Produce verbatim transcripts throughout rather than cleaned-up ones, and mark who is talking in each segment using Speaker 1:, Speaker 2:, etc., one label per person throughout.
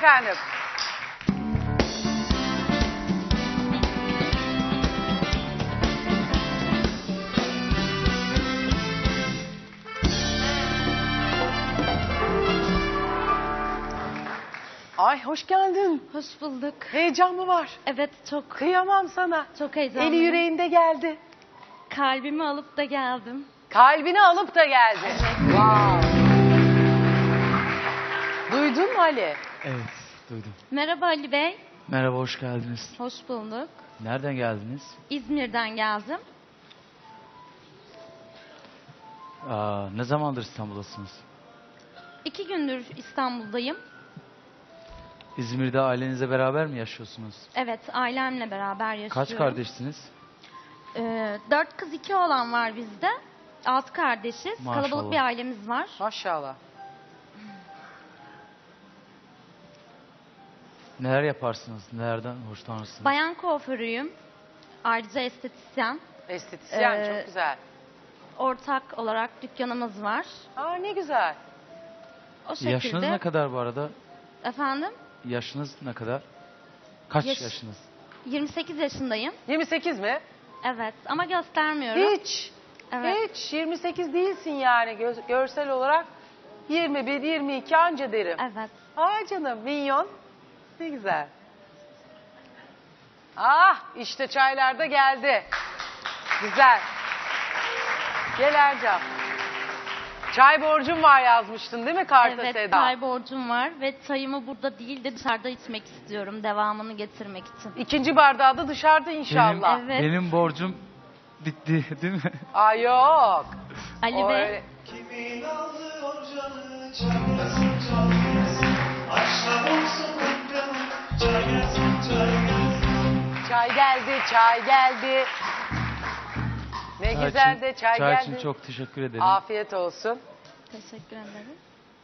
Speaker 1: efendim. Ay hoş geldin.
Speaker 2: Hoş bulduk.
Speaker 1: Heyecan mı var?
Speaker 2: Evet çok
Speaker 1: Kıyamam sana.
Speaker 2: çok heyecanlıyım.
Speaker 1: Eli yüreğinde geldi.
Speaker 2: Kalbimi alıp da geldim.
Speaker 1: Kalbini alıp da geldi. Wow. Duydun mu Ali?
Speaker 3: Evet, duydum.
Speaker 2: Merhaba Ali Bey.
Speaker 3: Merhaba, hoş geldiniz.
Speaker 2: Hoş bulduk.
Speaker 3: Nereden geldiniz?
Speaker 2: İzmir'den geldim.
Speaker 3: Aa, ne zamandır İstanbul'dasınız?
Speaker 2: İki gündür İstanbul'dayım.
Speaker 3: İzmir'de ailenizle beraber mi yaşıyorsunuz?
Speaker 2: Evet, ailemle beraber yaşıyorum.
Speaker 3: Kaç kardeşsiniz?
Speaker 2: Ee, dört kız iki oğlan var bizde. Altı kardeşiz.
Speaker 3: Maşallah.
Speaker 2: Kalabalık bir ailemiz var.
Speaker 1: Maşallah.
Speaker 3: Neler yaparsınız? Nelerden hoşlanırsınız?
Speaker 2: Bayan kuaförüyüm. Ayrıca estetisyen.
Speaker 1: Estetisyen
Speaker 2: Ee,
Speaker 1: çok güzel.
Speaker 2: Ortak olarak dükkanımız var.
Speaker 1: Aa ne güzel.
Speaker 2: O şekilde.
Speaker 3: Yaşınız ne kadar bu arada?
Speaker 2: Efendim?
Speaker 3: Yaşınız ne kadar? Kaç
Speaker 2: Yaş-
Speaker 3: yaşınız?
Speaker 2: yirmi sekiz yaşındayım.
Speaker 1: yirmi sekiz mi?
Speaker 2: Evet ama göstermiyorum.
Speaker 1: Hiç.
Speaker 2: Evet.
Speaker 1: Hiç. yirmi sekiz değilsin yani Gö- görsel olarak. yirmi bir, yirmi iki anca derim.
Speaker 2: Evet.
Speaker 1: Aa canım minyon. Ne güzel. Ah işte çaylar da geldi. Güzel. Gel Ercan. Çay borcum var yazmıştın değil mi karta
Speaker 2: Evet,
Speaker 1: Seda?
Speaker 2: çay borcum var ve çayımı burada değil de dışarıda içmek istiyorum devamını getirmek için.
Speaker 1: İkinci bardağı da dışarıda inşallah.
Speaker 3: Benim,
Speaker 2: Evet.
Speaker 3: benim borcum bitti değil mi?
Speaker 1: Aa yok.
Speaker 2: Ali
Speaker 1: O
Speaker 2: Bey,
Speaker 1: öyle-
Speaker 4: Kimin alıyor canı çalmasın çalmasın akşam olsun kanka çay gelsin çay gelsin.
Speaker 1: Çay geldi, çay geldi. Ne
Speaker 3: Çay
Speaker 1: güzel
Speaker 3: için-
Speaker 1: de çay,
Speaker 3: Çay
Speaker 1: geldi.
Speaker 3: için çok teşekkür ederim.
Speaker 1: Afiyet olsun.
Speaker 2: teşekkür ederim.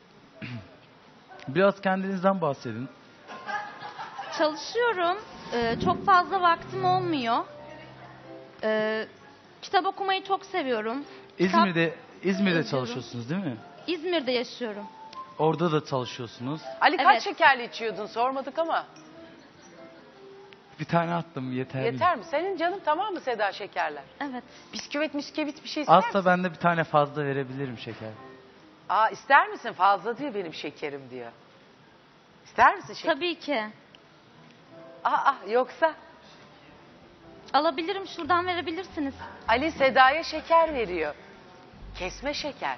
Speaker 3: Biraz kendinizden bahsedin.
Speaker 2: Çalışıyorum. Ee, çok fazla vaktim olmuyor. Ee, kitap okumayı çok seviyorum. Kitap-
Speaker 3: İzmir'de İzmir'de
Speaker 2: yazıyorum.
Speaker 3: çalışıyorsunuz değil mi?
Speaker 2: İzmir'de yaşıyorum.
Speaker 3: Orada da çalışıyorsunuz.
Speaker 1: Ali kaç
Speaker 2: Evet.
Speaker 1: şekerli içiyordun sormadık ama.
Speaker 3: Bir tane attım yeterli.
Speaker 1: Yeter mi? Senin canın tamam mı Seda şekerler?
Speaker 2: Evet.
Speaker 1: Bisküvit miskevit bir şey ister misin?
Speaker 3: Azsa ben de bir tane fazla verebilirim şeker.
Speaker 1: Aa ister misin? Fazla diyor benim şekerim diyor. İster misin şeker?
Speaker 2: Tabii ki.
Speaker 1: Aa yoksa
Speaker 2: Alabilirim, şuradan verebilirsiniz.
Speaker 1: Ali Seda'ya şeker veriyor. Kesme şeker.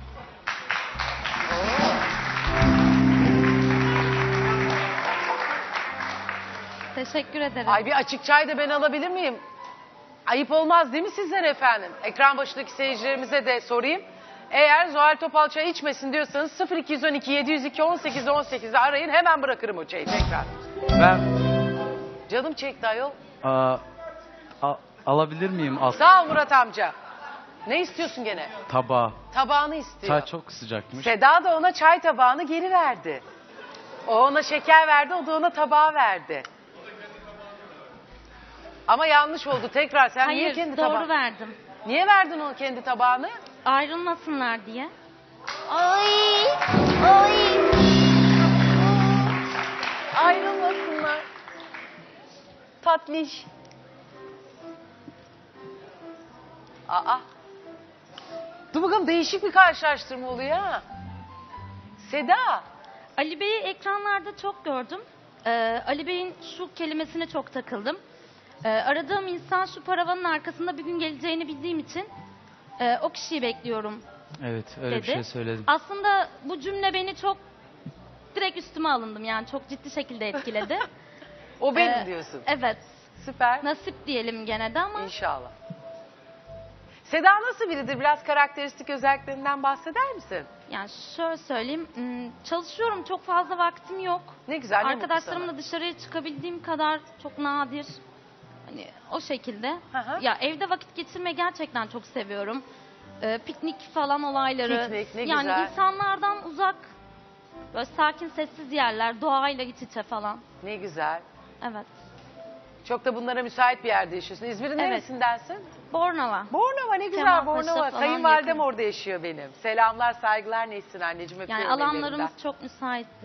Speaker 1: Oo.
Speaker 2: Teşekkür ederim.
Speaker 1: Ay bir açık çay da ben alabilir miyim? Ayıp olmaz değil mi sizden efendim? Ekran başındaki seyircilerimize de sorayım. Eğer Zuhal Topal çay içmesin diyorsanız sıfır iki on iki yedi yüz iki on sekiz on sekiz'de arayın hemen bırakırım o çayı tekrar.
Speaker 3: Ben
Speaker 1: Canım çekti ayol.
Speaker 3: aa, a- alabilir miyim az
Speaker 1: Sağ ol Murat amca. Ne istiyorsun gene?
Speaker 3: tabağı?
Speaker 1: Tabağını istiyor.
Speaker 3: Çay çok sıcakmış.
Speaker 1: Seda da ona çay tabağını geri verdi. O ona şeker verdi, o da ona tabağı verdi. Ama yanlış oldu tekrar. Sen niye
Speaker 2: Hayır,
Speaker 1: kendi
Speaker 2: doğru
Speaker 1: tabağını...
Speaker 2: verdim.
Speaker 1: Niye verdin onu kendi tabağını?
Speaker 2: Ayrılmasınlar diye.
Speaker 1: Ay, ay. Ayrılmasınlar. Tatlış. Aa. Dur bakalım değişik bir karşılaştırma oluyor ha. Seda.
Speaker 2: Ali Bey'i ekranlarda çok gördüm. Ee, Ali Bey'in şu kelimesine çok takıldım. Ee, aradığım insan şu paravanın arkasında bir gün geleceğini bildiğim için e, o kişiyi bekliyorum
Speaker 3: Evet, öyle
Speaker 2: dedi.
Speaker 3: bir şey söyledim.
Speaker 2: Aslında bu cümle beni çok direkt üstüme alındım, yani çok ciddi şekilde etkiledi.
Speaker 1: O benim
Speaker 2: Ee,
Speaker 1: diyorsun.
Speaker 2: Evet.
Speaker 1: Süper.
Speaker 2: Nasip diyelim gene de ama
Speaker 1: İnşallah. Seda nasıl biridir? Biraz karakteristik özelliklerinden bahseder misin?
Speaker 2: yani şöyle söyleyeyim, hmm, çalışıyorum, çok fazla vaktim yok.
Speaker 1: Ne güzel, ne mutlu
Speaker 2: Arkadaşlarımla dışarıya çıkabildiğim kadar çok nadir. Hani o şekilde.
Speaker 1: Hı hı.
Speaker 2: Ya evde vakit geçirmeyi gerçekten çok seviyorum. Ee, piknik falan olayları.
Speaker 1: Piknik, ne
Speaker 2: yani
Speaker 1: güzel.
Speaker 2: insanlardan uzak, böyle sakin sessiz yerler, doğayla iç içe falan.
Speaker 1: Ne güzel.
Speaker 2: Evet.
Speaker 1: Çok da bunlara müsait bir yerde yaşıyorsun. İzmir'in
Speaker 2: Evet.
Speaker 1: neresindensin?
Speaker 2: Bornova.
Speaker 1: Bornova ne güzel
Speaker 2: Kemalpaşa
Speaker 1: Bornova.
Speaker 2: falan
Speaker 1: Kayınvalidem
Speaker 2: yakın.
Speaker 1: orada yaşıyor benim. Selamlar saygılar Nesrin anneciğim
Speaker 2: Yani
Speaker 1: öpüyorum
Speaker 2: alanlarımız
Speaker 1: ellerinden.
Speaker 2: çok müsaittir.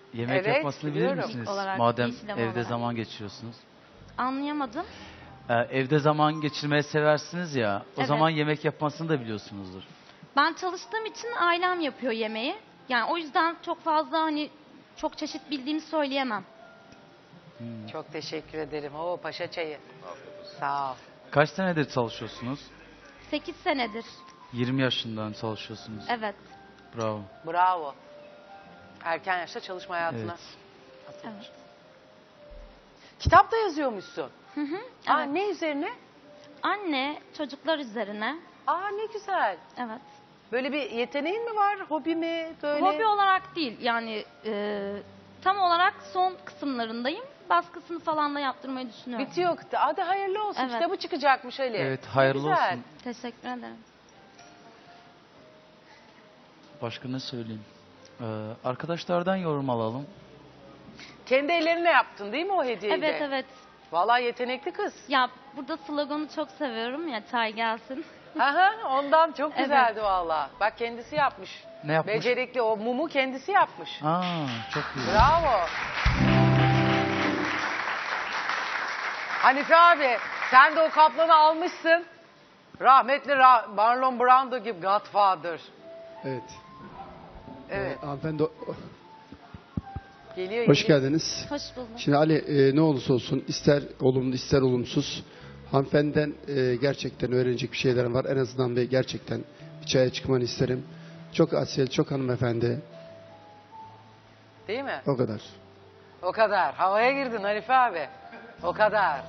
Speaker 3: Yemek
Speaker 1: Evet,
Speaker 3: yapmasını bilir
Speaker 1: biliyorum.
Speaker 3: misiniz?
Speaker 2: İlk olarak,
Speaker 3: Madem
Speaker 2: işlem
Speaker 3: evde
Speaker 2: olarak.
Speaker 3: zaman geçiriyorsunuz.
Speaker 2: Anlayamadım.
Speaker 3: Ee, evde zaman geçirmeyi seversiniz ya. O
Speaker 2: Evet.
Speaker 3: zaman yemek yapmasını da biliyorsunuzdur.
Speaker 2: Ben çalıştığım için ailem yapıyor yemeği. Yani o yüzden çok fazla hani çok çeşit bildiğimi söyleyemem.
Speaker 1: Çok teşekkür ederim. Oo paşa çayı. Sağ ol.
Speaker 3: Kaç senedir çalışıyorsunuz?
Speaker 2: sekiz senedir.
Speaker 3: yirmi yaşından çalışıyorsunuz.
Speaker 2: Evet.
Speaker 3: Bravo.
Speaker 1: Bravo. Erken yaşta çalışma hayatına.
Speaker 3: Evet.
Speaker 2: Evet.
Speaker 1: Kitap da yazıyormuşsun.
Speaker 2: Hı hı.
Speaker 1: Aa,
Speaker 2: Evet.
Speaker 1: ne üzerine?
Speaker 2: Anne, çocuklar üzerine.
Speaker 1: Aa ne güzel.
Speaker 2: Evet.
Speaker 1: Böyle bir yeteneğin mi var? Hobi mi? Böyle.
Speaker 2: Hobi olarak değil yani e, tam olarak son kısımlarındayım. Baskısını falan da yaptırmayı düşünüyorum.
Speaker 1: Bitiyor. Hadi hayırlı olsun.
Speaker 2: Evet.
Speaker 1: Kitabı çıkacakmış Ali.
Speaker 3: Evet,
Speaker 1: Ne
Speaker 3: hayırlı
Speaker 1: güzel.
Speaker 3: olsun.
Speaker 2: Teşekkür ederim.
Speaker 3: Başka ne söyleyeyim? Ee, arkadaşlardan yorum alalım.
Speaker 1: Kendi ellerinle yaptın değil mi o hediyeyi de?
Speaker 2: Evet evet.
Speaker 1: Vallahi yetenekli kız.
Speaker 2: Ya burada sloganı çok seviyorum ya çay gelsin.
Speaker 1: Aha, ondan çok
Speaker 2: Evet.
Speaker 1: güzeldi vallahi. Bak kendisi yapmış.
Speaker 3: Ne yapmış?
Speaker 1: Becerikli o mumu kendisi yapmış.
Speaker 3: Aa, çok güzel.
Speaker 1: Bravo. Hanife abi sen de o kaplanı almışsın. Rahmetli Ra- Marlon Brando gibi Godfather.
Speaker 5: Evet.
Speaker 1: Evet.
Speaker 5: Ee, hanımefendi o-
Speaker 1: Geliyor.
Speaker 5: hoş
Speaker 1: geliyor.
Speaker 5: geldiniz.
Speaker 2: Hoş bulduk.
Speaker 5: Şimdi Ali e, ne olursa olsun ister olumlu ister olumsuz hanımefendiden e, gerçekten öğrenecek bir şeylerim var. En azından bir gerçekten bir çaya çıkmanı isterim. Çok asil, çok hanımefendi.
Speaker 1: Değil mi?
Speaker 5: O kadar.
Speaker 1: O kadar. Havaya girdin Hanife abi. O kadar.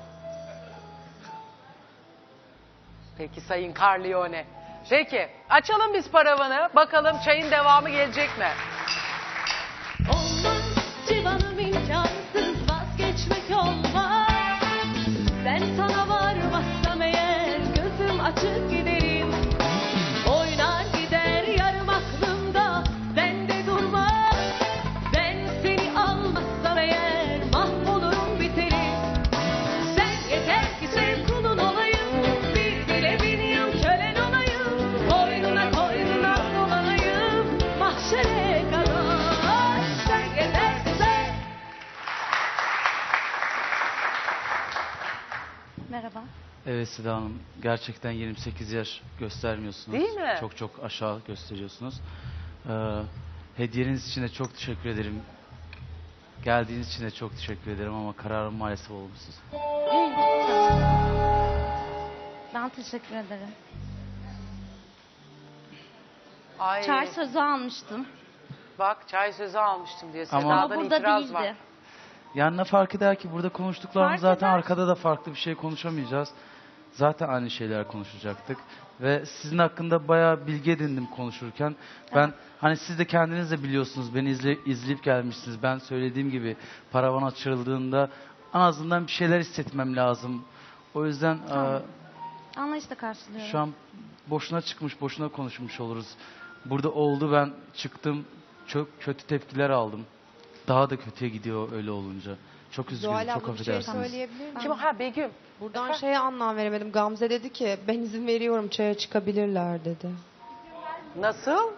Speaker 1: Peki Sayın Carlione. Peki açalım biz paravanı. Bakalım çayın devamı gelecek mi?
Speaker 6: Olmaz civanım imkansız vazgeçmek olmaz. Ben sana varmazsam eğer gözüm açık giderim. Oynar gider yarım aklımda ben de durmam. Ben seni almazsam eğer mahvolurum biterim. Sen yeter ki sev kulun olayım. Bir dile bin yıl kölen olayım. Koynuna koynuna dolanayım. Mahşere kadar. Sen yeter ki sev.
Speaker 2: Merhaba.
Speaker 3: Evet Seda Hanım, gerçekten yirmi sekiz yaş göstermiyorsunuz.
Speaker 1: Değil mi?
Speaker 3: Çok çok aşağı gösteriyorsunuz. Ee, hediyeniz için de çok teşekkür ederim. Geldiğiniz için de çok teşekkür ederim ama kararım maalesef olumsuz.
Speaker 2: Ben teşekkür ederim.
Speaker 1: Ay,
Speaker 2: Çay sözü almıştım.
Speaker 1: bak çay sözü almıştım diyor.
Speaker 3: Ama-
Speaker 1: Seda'dan
Speaker 2: Ama burada
Speaker 1: itiraz
Speaker 2: değildi.
Speaker 1: var.
Speaker 3: Yani ne fark eder ki burada konuştuklarımız
Speaker 2: Fark
Speaker 3: zaten
Speaker 2: eder.
Speaker 3: arkada da farklı bir şey konuşamayacağız. Zaten aynı şeyler konuşacaktık. Ve sizin hakkında bayağı bilgi edindim konuşurken. Ben hani siz de kendiniz de biliyorsunuz beni izle, izleyip gelmişsiniz. Ben söylediğim gibi paravan açıldığında en azından bir şeyler hissetmem lazım. O yüzden
Speaker 2: Tamam.
Speaker 3: e,
Speaker 2: Anlayışla karşılıyorum.
Speaker 3: şu an boşuna çıkmış, boşuna konuşmuş oluruz. Burada oldu, ben çıktım, çok kötü tepkiler aldım. Daha da kötüye gidiyor öyle olunca. Çok üzgünüm,
Speaker 7: Zuhal
Speaker 3: çok
Speaker 7: abla bir şey
Speaker 3: affedersiniz.
Speaker 7: söyleyebilir miyim?
Speaker 1: Kim o? Ha Begüm.
Speaker 7: Buradan
Speaker 1: Efendim?
Speaker 7: şeye anlam veremedim. Gamze dedi ki ben izin veriyorum çaya çıkabilirler dedi.
Speaker 1: Nasıl?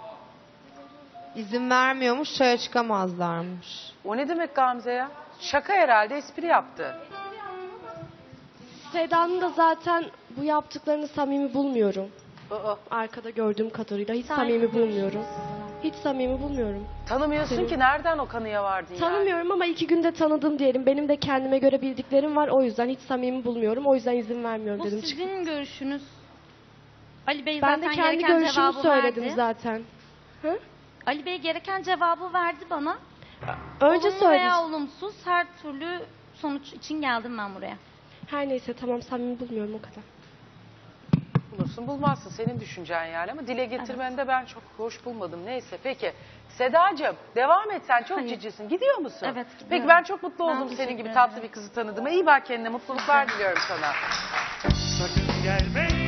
Speaker 7: İzin vermiyormuş çaya çıkamazlarmış.
Speaker 1: O ne demek Gamze ya? Şaka herhalde, espri yaptı.
Speaker 8: Seda'nın da zaten bu yaptıklarını samimi bulmuyorum.
Speaker 1: Aa,
Speaker 8: Arkada gördüğüm kadarıyla hiç
Speaker 2: Saygı
Speaker 8: samimi bulmuyorum. Hiç samimi bulmuyorum.
Speaker 1: tanımıyorsun
Speaker 8: Senin-
Speaker 1: ki nereden o kanıya vardın yani?
Speaker 8: Tanımıyorum ama iki günde tanıdım diyelim. Benim de kendime göre bildiklerim var. O yüzden hiç samimi bulmuyorum. O yüzden izin vermiyorum
Speaker 2: Bu
Speaker 8: dedim.
Speaker 2: sizin görüşünüz. Ali Bey
Speaker 8: Ben
Speaker 2: zaten
Speaker 8: de kendi
Speaker 2: gereken
Speaker 8: görüşümü
Speaker 2: cevabı
Speaker 8: söyledim
Speaker 2: verdi.
Speaker 8: zaten. Hı?
Speaker 2: Ali Bey gereken cevabı verdi bana.
Speaker 8: Önce
Speaker 2: Olumlu
Speaker 8: söyledim.
Speaker 2: veya olumsuz her türlü sonuç için geldim ben buraya.
Speaker 8: Her neyse tamam samimi bulmuyorum o kadar.
Speaker 1: Bulursun bulmazsın senin düşüncen yani ama dile getirmeni de ben çok hoş bulmadım. Neyse peki Sedacığım devam et sen çok
Speaker 2: Hayır.
Speaker 1: cicisin. Gidiyor musun?
Speaker 2: Evet, gidiyorum.
Speaker 1: Peki ben çok mutlu
Speaker 2: Ben
Speaker 1: oldum senin
Speaker 2: teşekkür
Speaker 1: gibi
Speaker 2: ederim.
Speaker 1: tatlı bir kızı tanıdığıma. İyi bak kendine mutluluklar diliyorum sana.
Speaker 4: Sakın gelme